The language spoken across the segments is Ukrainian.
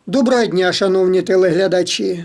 Доброго дня, шановні телеглядачі.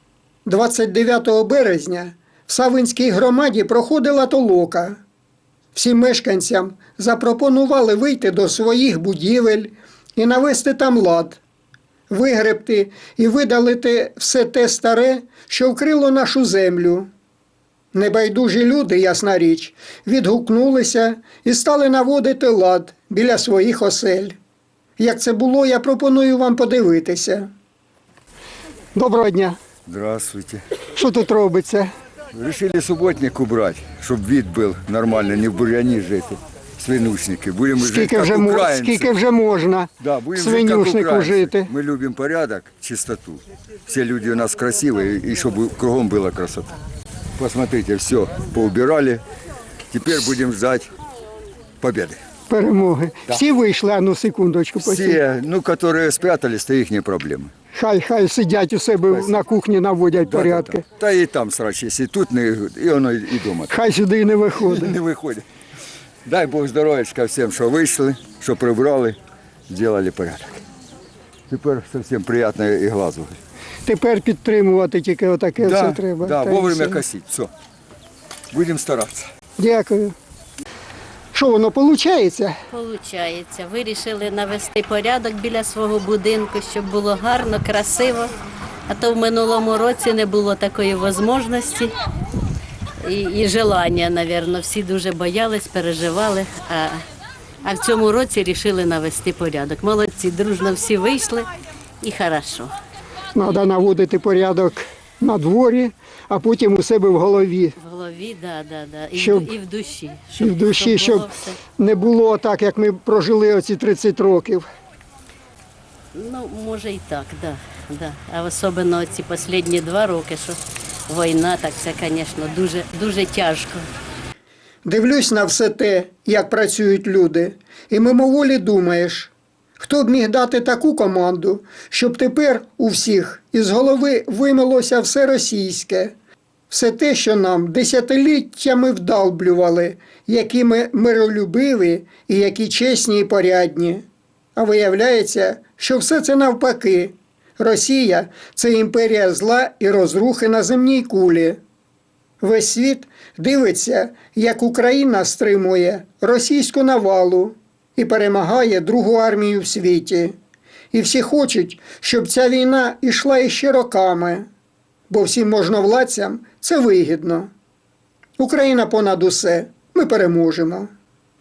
29 березня в Савинській громаді проходила толока. Всім мешканцям запропонували вийти до своїх будівель і навести там лад, вигребти і видалити все те старе, що вкрило нашу землю. Небайдужі люди, ясна річ, відгукнулися і стали наводити лад біля своїх осель. Як це було, я пропоную вам подивитися. Доброго дня. Здравствуйте. Що тут робиться? Решили субботник убрать, чтобы вид был нормальный, не в бурьяне жить. Свинушники. Будем жить как украинцы. Скільки вже можна Да, будем жить как свинюшнику украинцы. жити? Мы любим порядок, чистоту. Все люди у нас красивые, и чтобы кругом была красота. Посмотрите, все поубирали. Теперь будем ждать победы. Перемоги. Всі вийшли, а ну секундочку. Все, которые спрятались, то их не проблемы. Хай сидять у себе на кухні, наводять порядки. Да, и там срач, если тут, и оно и дома. Хай сюди і не виходить. Не виходить. Дай Бог здоров'ячка всім, що вийшли, що прибрали, зробили порядок. Тепер зовсім приємно і глазу. Тепер підтримувати тільки отаке все треба. Да, Та й вовремя все. косити. Все. Будемо старатися. Дякую. Що воно, виходить? Получається. Вирішили навести порядок біля свого будинку, щоб було гарно, красиво. А то в минулому році не було такої можливості і желання, мабуть. Всі дуже боялись, переживали. А в цьому році вирішили навести порядок. Молодці, дружно всі вийшли і хорошо. Треба наводити порядок на дворі, а потім у себе в голові. В голові, да. І, Щоб- і в душі. І в душі, щоб було все. не було так, як ми прожили оці 30 років. Ну, може і так, да. А особливо ці останні 2 роки, що війна, так це, звісно, дуже тяжко. Дивлюсь на все те, як працюють люди, і мимоволі думаєш, хто б міг дати таку команду, щоб тепер у всіх із голови вимилося все російське, все те, що нам десятиліттями вдалблювали, які ми миролюбиві і які чесні і порядні. А виявляється, що все це навпаки. Росія – це імперія зла і розрухи на земній кулі. Весь світ дивиться, як Україна стримує російську навалу і перемагає другу армію в світі. І всі хочуть, щоб ця війна йшла іще роками, бо всім можновладцям це вигідно. Україна понад усе. Ми переможемо.